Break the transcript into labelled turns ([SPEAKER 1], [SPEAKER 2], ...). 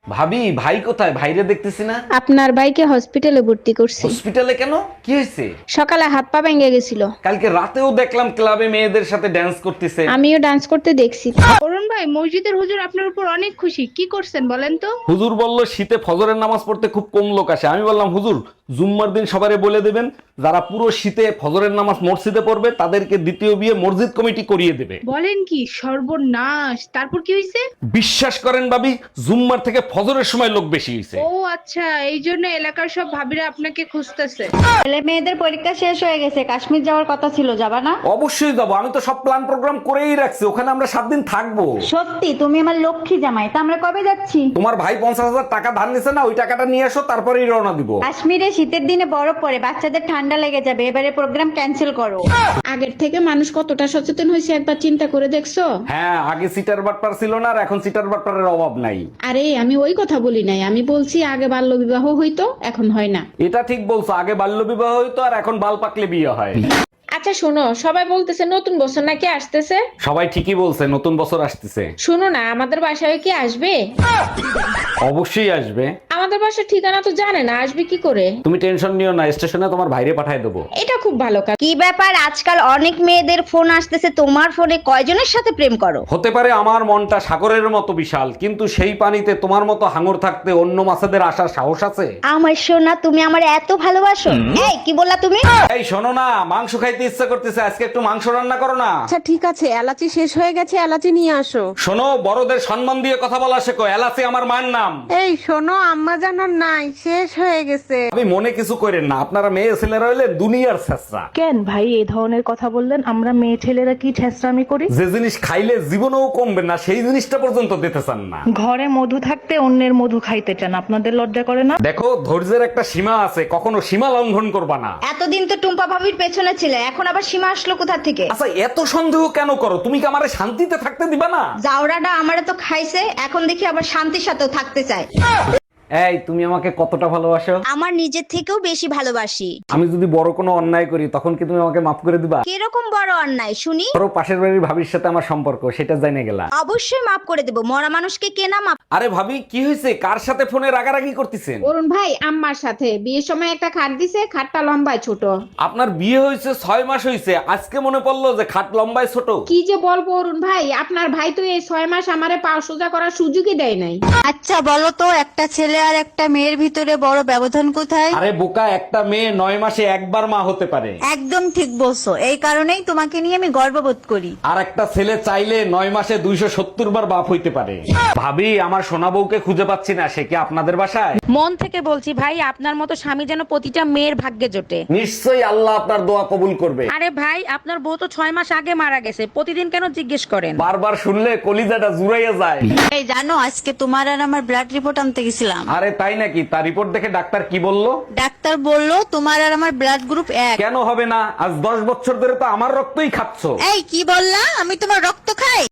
[SPEAKER 1] ভাবি, ভাই কোথায়? ভাইরে দেখতেছি না।
[SPEAKER 2] আপনার ভাইকে হসপিটালে ভর্তি করছি।
[SPEAKER 1] হসপিটালে কেন? কি হয়েছে?
[SPEAKER 2] সকালে হাত পা ভেঙে গেছিল।
[SPEAKER 1] কালকে রাতেও দেখলাম ক্লাবে মেয়েদের সাথে ড্যান্স করতেছে।
[SPEAKER 2] আমিও ডান্স করতে দেখছি।
[SPEAKER 3] অরুণ ভাই, মসজিদের হুজুর আপনার উপর অনেক খুশি, কি করছেন বলেন তো?
[SPEAKER 1] হুজুর বলল শীতে ফজরের নামাজ পড়তে খুব কম লোক আসে। আমি বললাম হুজুর, জুম্মার দিন সবারে বলে দেবেন যারা পুরো শীতে ফজরের নামাজ মসজিদে পড়বে তাদেরকে দ্বিতীয় বিয়ে মসজিদ কমিটি করিয়ে দেবে।
[SPEAKER 3] বলেন কি, সর্বনাশ! তারপর কি হয়েছে?
[SPEAKER 1] বিশ্বাস করেন ভাবি, জুম্মার থেকে ফজরের সময় লোক বেশি হয়েছে।
[SPEAKER 3] ও আচ্ছা, এই জন্য এলাকার সব ভাবিরা আপনাকে খুঁজতেছে।
[SPEAKER 4] ছেলে মেয়েদের পরীক্ষা শেষ হয়ে গেছে, কাশ্মীর যাওয়ার কথা ছিল, যাবা না?
[SPEAKER 1] অবশ্যই যাবো, আমি তো সব প্ল্যান প্রোগ্রাম করেই রাখছি। ওখানে আমরা 7 দিন থাকবো।
[SPEAKER 4] সত্যি? তুমি আমার লক্ষ্মী জামাই। তা আমরা কবে যাচ্ছি?
[SPEAKER 1] তোমার ভাই 50,000 টাকা ধার নিছে না, ওই টাকাটা নিয়ে আসো, তারপরেই রওনা দিব।
[SPEAKER 4] কাশ্মীরে শীতের দিনে বরফ পড়ে, বাচ্চাদের ঠান্ডা লেগে যাবে, এবারে প্রোগ্রাম ক্যান্সেল করো।
[SPEAKER 2] আগের থেকে মানুষ কতটা সচেতন হয়েছে একবার চিন্তা করে দেখছো?
[SPEAKER 1] হ্যাঁ, আগে সিটার বাটপার ছিল না, আর এখন সিটার বাটপারের অভাব নাই।
[SPEAKER 2] আরে আমি ওই কথা বলি নাই, আমি বলছি আগে বাল্য বিবাহ হইতো, এখন হয় না।
[SPEAKER 1] এটা ঠিক বলছো, আগে বাল্য বিবাহ হইতো আর এখন বাল পাকলে বিয়ে হয়।
[SPEAKER 2] আচ্ছা শোনো, সবাই বলতেছে নতুন বছর নাকি আসতেছে।
[SPEAKER 1] সবাই ঠিকই বলছে, নতুন বছর আসতেছে।
[SPEAKER 2] শোনো না, আমাদের বাসায় কি আসবে?
[SPEAKER 1] অবশ্যই আসবে।
[SPEAKER 2] আমাদের বাসার ঠিকানা তো জানে না, আসবে কি করে?
[SPEAKER 1] তুমি টেনশন নিও না, স্টেশনে তোমার ভাইরে পাঠায় দেবো।
[SPEAKER 2] এটা খুব ভালো কাজ।
[SPEAKER 4] কি ব্যাপার, আজকাল অনেক মেয়েদের ফোন আসতেছে, তোমার ফোনে কয়জনের সাথে প্রেম করো?
[SPEAKER 1] হতে পারে আমার মনটা সাগরের মতো বিশাল, কিন্তু সেই পানিতে তোমার মতো হাঙর থাকতে অন্য মাছেদের আসার সাহস আছে?
[SPEAKER 4] আমার সোনা, তুমি আমার এত ভালোবাসো? এই কি বললা তুমি?
[SPEAKER 1] এই শোনো না, মাংস খাইতে ইচ্ছা করতেছে, আজকে একটু মাংস রান্না করো না।
[SPEAKER 5] আচ্ছা ঠিক আছে, এলাচি শেষ হয়ে গেছে, এলাচি নিয়ে আসো।
[SPEAKER 1] শোনো, বড়দের সম্মান দিয়ে কথা বলা শেখো। এলাচি আমার মায়ের নাম।
[SPEAKER 5] এই শোনো, আম্মা জানার নাই, শেষ হয়ে গেছে।
[SPEAKER 1] আমি মনে কিছু করেন না, আপনারা মেয়ে ছেলেরা হইলে দুনিয়ার ছেঁচড়া।
[SPEAKER 6] কেন ভাই এই ধরনের কথা বললেন? আমরা মেয়ে ছেলেরা কি ছেঁচড়ামি করি?
[SPEAKER 1] যে জিনিস খাইলে জীবনেও কমবে না সেই জিনিসটা পর্যন্ত দিতে চান না।
[SPEAKER 6] ঘরে মধু থাকতে অন্যের মধু খাইতে চান, আপনাদের লজ্জা করে না?
[SPEAKER 1] দেখো, ধৈর্যের একটা সীমা আছে, কখনো সীমা লঙ্ঘন করবা না।
[SPEAKER 4] এতদিন তো টুম্পা ভাবির পেছনে ছিলে, এখন আবার সীমা আসলো কোথা থেকে?
[SPEAKER 1] আচ্ছা, এত সন্দেহ কেন করো? তুমি কি আমারে শান্তিতে থাকতে দিবা না?
[SPEAKER 4] জাউরাটা আমারে তো খাইছে, এখন দেখি আবার শান্তির সাথেও থাকতে চায়।
[SPEAKER 1] এই, তুমি আমাকে কতটা ভালোবাসো?
[SPEAKER 4] আমার নিজের থেকেও বেশি ভালোবাসি।
[SPEAKER 1] আমি যদি বড় কোনো অন্যায় করি তখন কি তুমি আমাকে মাফ করে দিবা?
[SPEAKER 4] কিরকম বড় অন্যায় শুনি?
[SPEAKER 1] ধরো পাশের বাড়ির ভাবির সাথে আমার সম্পর্ক, সেটা জানে গেলা।
[SPEAKER 4] অবশ্যই মাফ করে দেব, মরা মানুষকে কে না মাফ।
[SPEAKER 1] আরে ভাবি, কি হয়েছে? কার সাথে ফোনে রাগারাগি করতেছেন?
[SPEAKER 2] অরুণ ভাই আম্মার সাথে বিয়ের সময় একটা খাট দিছে, খাটটা লম্বায় ছোট।
[SPEAKER 1] আপনার বিয়ে হয়েছে 6 মাস হয়েছে, আজকে মনে পড়লো যে খাট লম্বায় ছোট।
[SPEAKER 2] কি যে বলবো অরুণ ভাই, আপনার ভাই তো এই 6 মাস আমারে পা সোজা করার সুযোগই দেয় নাই।
[SPEAKER 4] আচ্ছা বলো তো, একটা ছেলে আর একটা মেয়ের ভিতরে বড় ব্যবধান কোথায়?
[SPEAKER 1] আরে বোকা, একটা মেয়ে 9 মাসে একবার মা হতে পারে।
[SPEAKER 4] একদম ঠিক বলছো, এই কারণেই তোমাকে নিয়ে আমি গর্ববোধ করি।
[SPEAKER 1] আর একটা ছেলে চাইলে 9 মাসে 270 বার বাপ হইতে পারে। ভাবি, আমার সোনা বউকে খুঁজে পাচ্ছি না, সে কি আপনাদের বাসায়?
[SPEAKER 7] মন থেকে বলছি ভাই, আপনার মতো স্বামী যেন প্রতিটা মেয়ের ভাগ্যে জোটে।
[SPEAKER 1] নিশ্চয়ই আল্লাহ আপনার দোয়া কবুল করবে।
[SPEAKER 7] আরে ভাই, আপনার বউ তো 6 মাস আগে মারা গেছে, প্রতিদিন কেন জিজ্ঞেস করেন?
[SPEAKER 1] বারবার শুনলে কলিজাটা জুড়াইয়া যায়।
[SPEAKER 4] এই জানো, আজকে তোমার আর আমার ব্লাড রিপোর্ট আনতে গেছিলাম।
[SPEAKER 1] আরে তাই নাকি? তার রিপোর্ট দেখে ডাক্তার কি বললো?
[SPEAKER 4] ডাক্তার বলল তোমার আর আমার ব্লাড গ্রুপ 1।
[SPEAKER 1] কেন হবে না? আজ 10 বছর ধরে তো আমার রক্তই খাচ্ছো।
[SPEAKER 4] এই কি বললা? আমি তোমার রক্ত খাই?